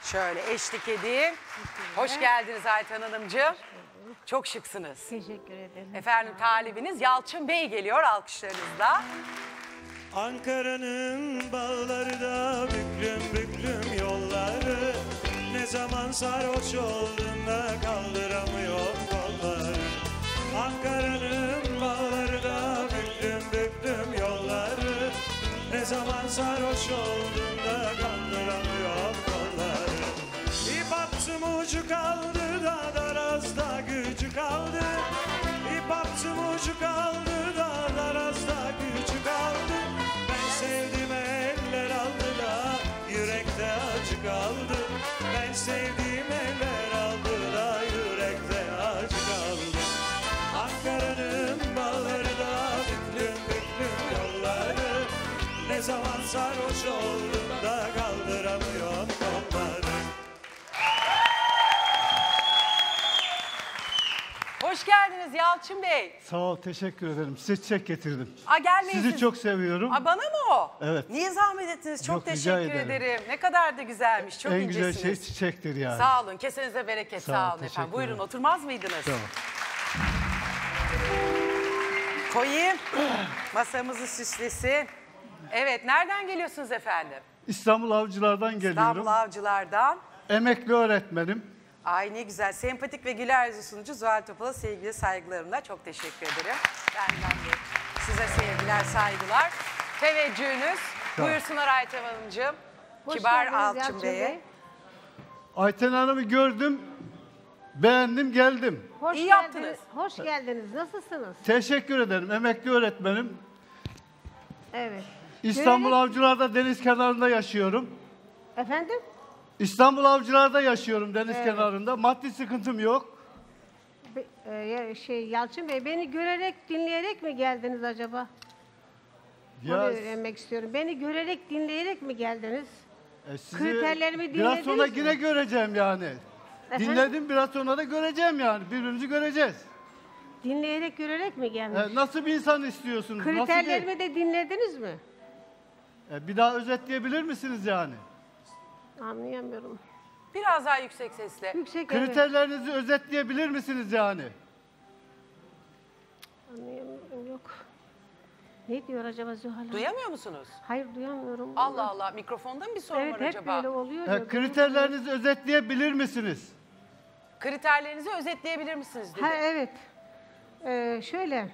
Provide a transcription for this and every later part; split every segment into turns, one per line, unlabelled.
Şöyle eşlik edeyim. Hoş geldiniz Ayten Hanımcığım. Çok şıksınız.
Teşekkür ederim.
Efendim talibiniz Yalçın Bey geliyor alkışlarınızla.
Ankara'nın bağları da büklüm büklüm yolları, ne zaman sarhoş olduğunda kaldıramıyor kolları. Ankara'nın bağları da büklüm büklüm yolları, ne zaman sarhoş olduğunda kaldıramıyor kolları. İp attım ucu kaldı da darazda gücü kaldı. İp attım ucu kaldı da darazda gücü kaldı. Ben sevdim eller aldı da yürekte acı kaldı. Ben sevdiğim eller aldı da yürekte acı kaldı. Ankara'nın bağları da büklüm büklüm yolları, ne zaman sarhoş olduğunda kaldıramıyor kolları.
Hoş geldiniz Yalçın Bey.
Sağ ol, teşekkür ederim. Size çiçek getirdim.
Gelmeyin
Sizi
siz.
çok seviyorum.
Bana mı o?
Evet.
Niye zahmet ettiniz? Çok
Yok, rica
teşekkür
ederim.
ederim. Ne kadar da güzelmiş. Çok
En
incesiniz.
güzel şey çiçektir yani.
Sağ olun. Kesenize bereket.
Sağ ol,
Sağ olun
teşekkür
efendim. Buyurun
ederim.
oturmaz mıydınız?
Tamam.
Koyayım. Masamızı süslesin. Evet. Nereden geliyorsunuz efendim?
İstanbul Avcılar'dan geliyorum.
İstanbul Avcılar'dan.
Emekli öğretmenim.
Ay ne güzel. Sempatik ve güler yüzlü sunucu Zuhal Topal'a sevgili saygılarımla çok teşekkür ederim. Benden de size sevgiler, saygılar. Teveccühünüz.
Tamam.
Buyursunlar Ayten Hanımcığım.
Hoş
Kibar
geldiniz
Alçın
Yalçın
Bey'e.
Bey.
Ayten Hanım'ı gördüm, beğendim, geldim.
Hoş
İyi
geldiniz.
yaptınız.
Hoş geldiniz. Nasılsınız?
Teşekkür ederim. Emekli öğretmenim.
Evet.
İstanbul
Görerek-
Avcılar'da deniz kenarında yaşıyorum.
Efendim?
İstanbul Avcılar'da yaşıyorum deniz kenarında. Maddi sıkıntım yok.
Yalçın Bey, beni görerek, dinleyerek mi geldiniz acaba? Onu
Ya,
öğrenmek istiyorum. Beni görerek, dinleyerek mi geldiniz?
sizi
kriterlerimi
biraz sonra
dinlediniz
yine
mi?
göreceğim yani.
Efendim?
Dinledim, biraz sonra da göreceğim yani. Birbirimizi göreceğiz.
Dinleyerek, görerek mi gelmiş?
Nasıl bir insan istiyorsunuz? Nasıl
Kriterlerimi de dinlediniz mi?
bir daha özetleyebilir misiniz yani?
Anlayamıyorum.
Biraz daha yüksek sesle.
Yüksek evet.
Kriterlerinizi özetleyebilir misiniz yani?
Anlayamıyorum, yok. Ne diyor acaba Zuhal Hanım?
Duyamıyor musunuz?
Hayır, duyamıyorum.
Allah Allah. Mikrofonda mı bir sorun
Evet,
var
hep
acaba?
böyle oluyor. ya.
Kriterlerinizi özetleyebilir misiniz?
Kriterlerinizi özetleyebilir misiniz dedi.
Ha, evet. Şöyle.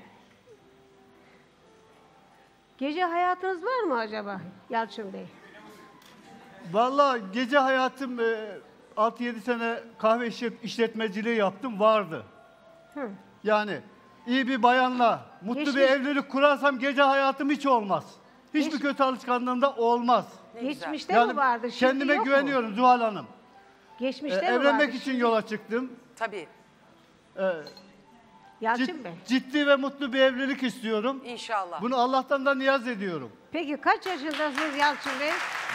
Gece hayatınız var mı acaba Yalçın Bey?
Vallahi gece hayatım 6-7 sene kahve işletmeciliği yaptım, vardı.
Hı.
Yani iyi bir bayanla mutlu bir
Geçmiş-
evlilik kurarsam gece hayatım hiç olmaz. Hiçbir kötü alışkanlığım da olmaz.
Ne güzel.
Geçmişte mi vardı? Şimdi
kendime
yok mu?
güveniyorum Zuhal Hanım.
Geçmişte mi vardı?
Evlenmek için yola çıktım.
Tabii.
Yalçın Bey.
Ciddi ve mutlu bir evlilik istiyorum.
İnşallah.
Bunu Allah'tan da niyaz ediyorum.
Peki kaç yaşındasınız Yalçın Bey?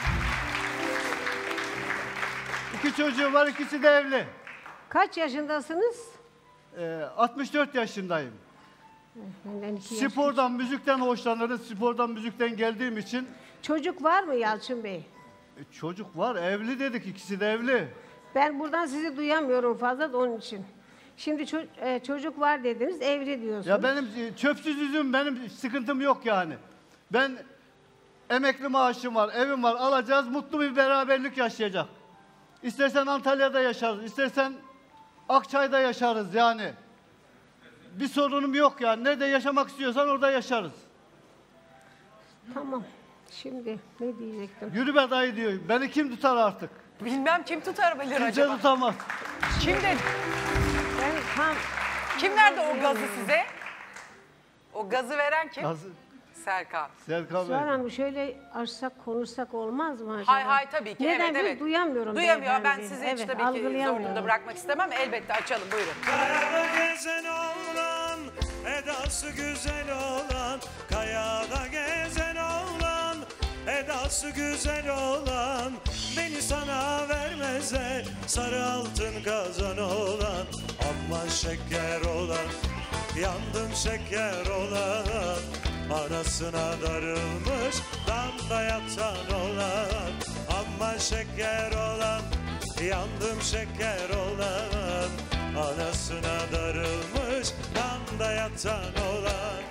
2 çocuğum var, ikisi de evli.
Kaç yaşındasınız?
64 yaşındayım.
Benden 2 yaş.
Spordan, müzikten hoşlanırım. Spordan, müzikten geldiğim için
Çocuk var mı Yalçın Bey?
çocuk var. Evli dedik, ikisi de evli.
Ben buradan sizi duyamıyorum fazla da onun için. Şimdi çocuk var dediniz, evli diyorsunuz.
Ya benim çöpsüz üzüm, benim sıkıntım yok yani. Ben emekli maaşım var, evim var, alacağız, mutlu bir beraberlik yaşayacak. İstersen Antalya'da yaşarız, istersen Akçay'da yaşarız yani. Bir sorunum yok yani. Nerede yaşamak istiyorsan orada yaşarız.
Tamam. Şimdi ne diyecektim?
Yürü be dayı diyor. Beni kim tutar artık?
Bilmem kim tutabilir
Kimse
acaba.
tutamaz.
Kim dedi?
Ben tam
Kim verdi o gazı size? O gazı veren kim?
Nasıl?
Serkan.
Serkan
Zuhal
Bey.
Hanım şöyle açsak konuşsak olmaz mı acaba?
Hay hay tabii ki.
Neden
evet
biz
evet.
duyamıyorum.
Duyamıyor. Ben
beyefendi.
sizi
Evet,
hiç tabii ki
algılayamıyorum.
zorunda bırakmak istemem. Elbette açalım. Buyurun.
Kayada gezen oğlan, edası güzel olan. Kayada gezen oğlan, edası güzel olan. Beni sana vermezler, sarı altın kazan olan. Aman şeker olan, yandım şeker olan. Anasına darılmış, damda yatan olan. Aman şeker olan, Yandım şeker olan, anasına darılmış, kanda yatan olan.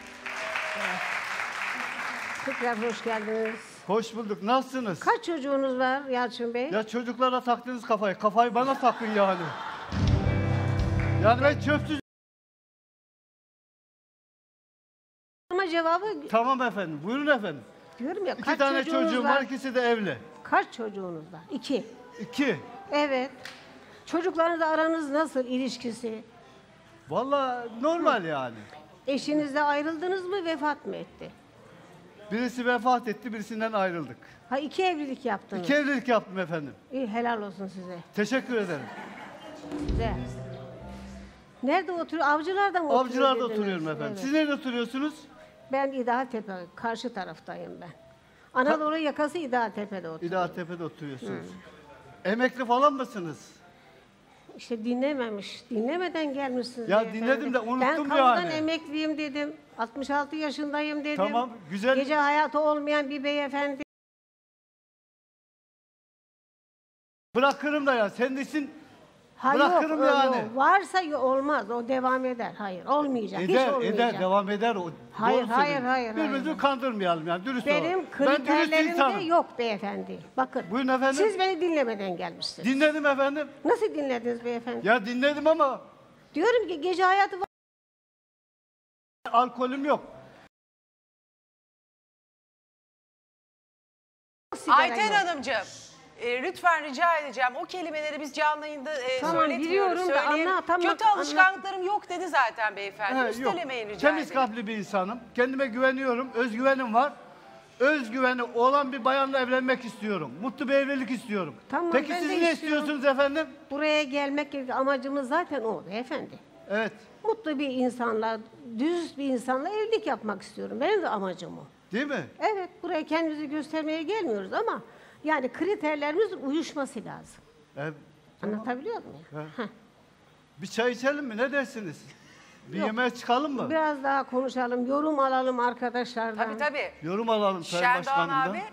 Tekrar hoş geldiniz.
Hoş bulduk. Nasılsınız?
Kaç çocuğunuz var Yalçın Bey?
Ya çocuklara taktınız kafayı. Kafayı bana takın yani. Yani ben çöpsüz...
Ama cevabı
Tamam efendim. Buyurun efendim.
diyorum ya,
2
kaç
tane
çocuğunuz
çocuğum var. İkisi de evli.
Kaç çocuğunuz var? 2.
2.
Evet. Çocuklarınızla aranız nasıl, ilişkisi?
Vallahi normal yani.
Eşinizle ayrıldınız mı, vefat mı etti?
Birisi vefat etti, birisinden ayrıldık.
Ha, 2 evlilik yaptınız.
2 evlilik yaptım efendim.
İyi, helal olsun size.
Teşekkür ederim.
Güzel. Nerede oturuyor? Avcılar'da mı oturuyor?
Avcılar'da
dediniz?
oturuyorum efendim.
Evet.
Siz nerede oturuyorsunuz?
Ben İdahatepe, karşı taraftayım ben. Anadolu yakası İdahatepe'de oturuyorum.
İdahatepe'de oturuyorsunuz. Emekli falan mısınız?
İşte dinlememiş. Dinlemeden gelmişsiniz.
Ya
beyefendi.
dinledim de unuttum
ben kamudan
yani.
emekliyim dedim. 66 yaşındayım dedim.
Tamam, güzel.
Gece hayatı olmayan bir beyefendi.
Bırakırım da ya. Sen desin
Ha,
bırakırım
yok,
yani.
yok. Varsa olmaz. O devam eder. Hayır, olmayacak. Hiç
eder,
olmayacak.
eder, devam eder. O,
Hayır,
doğru
hayır,
söylüyorsun.
hayır,
Birbirimizi
hayır.
kandırmayalım yani. Dürüst olalım.
Benim
Ben dürüst
kriterlerimde
insanım.
yok beyefendi. Bakın.
Buyurun efendim.
Siz beni dinlemeden gelmişsiniz.
Dinledim efendim.
Nasıl dinlediniz beyefendi?
Ya dinledim ama
Diyorum ki gece hayatı var.
alkolüm yok.
sigara
Ayten
yok.
Hanımcığım, lütfen rica edeceğim. O kelimeleri biz canlı yayında
Tamam,
söyletmiyoruz.
biliyorum da
Söyleyeyim.
anlat.
Kötü alışkanlıklarım yok dedi zaten beyefendi.
He, yok.
Üstelemeyin rica
Temiz
ederim.
kalpli bir insanım. Kendime güveniyorum. Özgüvenim var. Özgüveni olan bir bayanla evlenmek istiyorum. Mutlu bir evlilik istiyorum.
Tamam,
Peki
ben
siz
de
ne
istiyorum.
istiyorsunuz efendim?
Buraya gelmek amacımız zaten o beyefendi.
Evet.
Mutlu bir insanla, düz bir insanla evlilik yapmak istiyorum. Benim de amacım o.
Değil mi?
Evet, buraya kendimizi göstermeye gelmiyoruz ama yani kriterlerimizin uyuşması lazım.
Evet.
Anlatabiliyor muyum?
He.
Heh.
Bir çay içelim mi? Ne dersiniz? Bir
Yok.
yemeğe çıkalım mı?
Biraz daha konuşalım, yorum alalım arkadaşlardan.
Tabii tabii.
Yorum alalım Sayın
Şerdoğan
Başkanım'dan.
abi.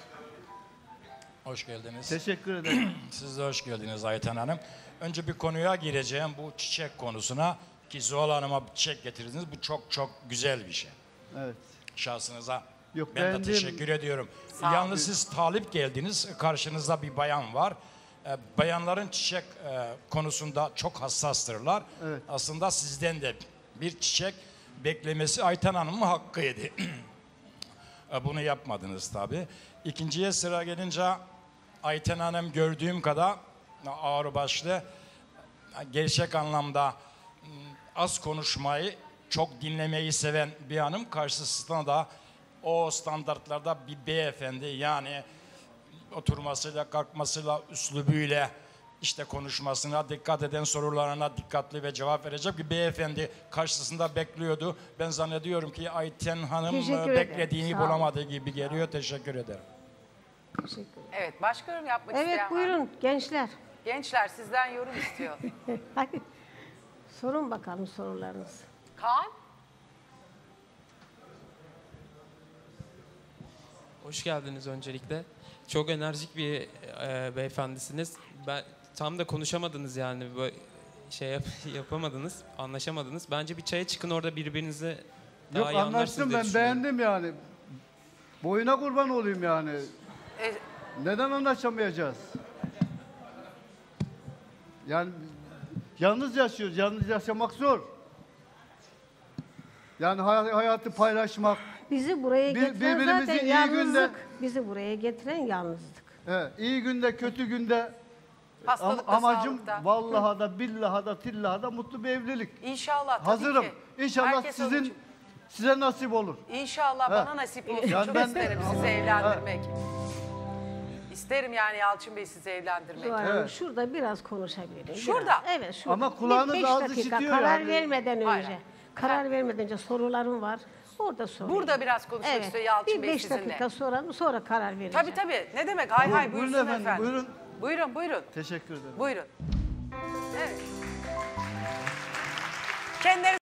Hoş geldiniz.
Teşekkür ederim.
Siz de hoş geldiniz Ayten Hanım. Önce bir konuya gireceğim, bu çiçek konusuna. Ki Zuhal Hanım'a bir çiçek getirdiniz. Bu çok çok güzel bir şey.
Evet.
Şahsınıza
Yok,
ben de
beğendim.
teşekkür ediyorum.
olun.
Yalnız siz talip geldiniz. Karşınızda bir bayan var. Bayanların çiçek konusunda çok hassastırlar.
Evet.
Aslında sizden de bir çiçek beklemesi Ayten Hanım'ın hakkıydı. Bunu yapmadınız tabii. İkinciye sıra gelince Ayten Hanım gördüğüm kadar ağırbaşlı, gerçek anlamda az konuşmayı, çok dinlemeyi seven bir hanım. Karşısında da o standartlarda bir beyefendi, yani oturmasıyla, kalkmasıyla, üslubuyla, işte konuşmasına dikkat eden, sorularına dikkatli ve cevap verecek bir beyefendi karşısında bekliyordu. Ben zannediyorum ki Ayten Hanım
Teşekkür ederim.
beklediğini
Sağ olun.
bulamadığı gibi geliyor. Teşekkür ederim.
Teşekkür ederim.
Evet, başka yorum yapmak
Evet,
isteyen var mı?
buyurun gençler.
Gençler sizden yorum istiyor.
Hadi sorun bakalım sorularınızı.
Kaan?
Hoş geldiniz öncelikle. Çok enerjik bir beyefendisiniz. Ben tam da konuşamadınız yani, böyle yapamadınız, anlaşamadınız. Bence bir çaya çıkın, orada birbirinizi daha
Yok
iyi anlarsınız
anlaştım,
diye
ben
düşünüyorum.
beğendim yani. Boyuna kurban olayım yani.
E,
Neden anlaşamayacağız? Yani yalnız yaşıyoruz. Yalnız yaşamak zor. Yani hayatı paylaşmak.
Bizi buraya getiren
birbirimizi
zaten
iyi
yalnızlık.
günde-
Bizi buraya getiren yalnızlık.
İyi günde, kötü günde
hastalıkta,
amacım
sağlıkta.
vallaha da billaha da tillaha da mutlu bir evlilik.
İnşallah tabii
Hazırım.
ki.
İnşallah
Herkes onun için.
size nasip olur.
İnşallah
He.
bana nasip olsun.
Yani
Çok
ben-
isterim sizi evlendirmek. İsterim yani Yalçın Bey sizi evlendirmek.
Zuhal Hanım,
Evet.
şurada biraz konuşabilirim.
Şurada?
Biraz. Evet, şurada.
Ama kulağınız
Beş
ağzı
dakika,
işitiyor
karar
yani.
vermeden
Hayır.
önce. Karar vermeden önce sorularım var. Orada sorayım.
Burada biraz konuşmak istiyor Yalçın
bir
Bey
5
sizinle.
dakika sonra karar vereceğim.
Tabii tabii. Ne demek? Hay hay
Buyurun
buyursun
efendim,
efendim.
buyurun.
Buyurun buyurun.
Teşekkür ederim.
Buyurun. Evet. Kendileri